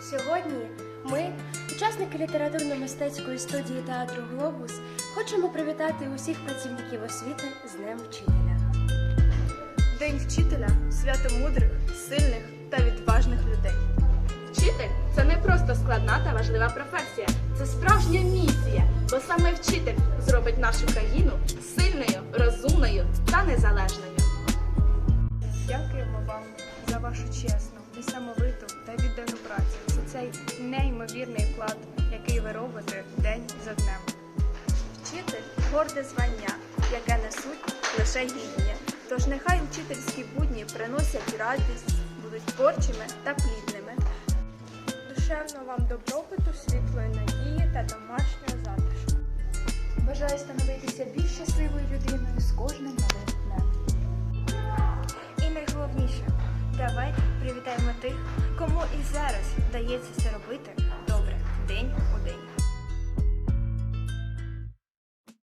Сьогодні ми, учасники літературно-мистецької студії театру «Глобус», хочемо привітати усіх працівників освіти з Днем вчителя. День вчителя – свято мудрих, сильних та відважних людей. Вчитель – це не просто складна та важлива професія. Це справжня місія, бо саме вчитель зробить нашу країну сильною, розумною та незалежною. Дякуємо вам за вашу чесну, несамовиту та віддану працю, за цей неймовірний вклад, який ви робите день за днем. Вчитель – горде звання, яке несуть лише гідні. Тож нехай вчительські будні приносять радість, будуть творчими та плідними. Душевного вам добробуту, світлої надії та домашнього затишку. Бажаю становитися більш щасливою людиною з кожним новим днем. І найголовніше, давайте привітаємо тих, кому і зараз вдається це робити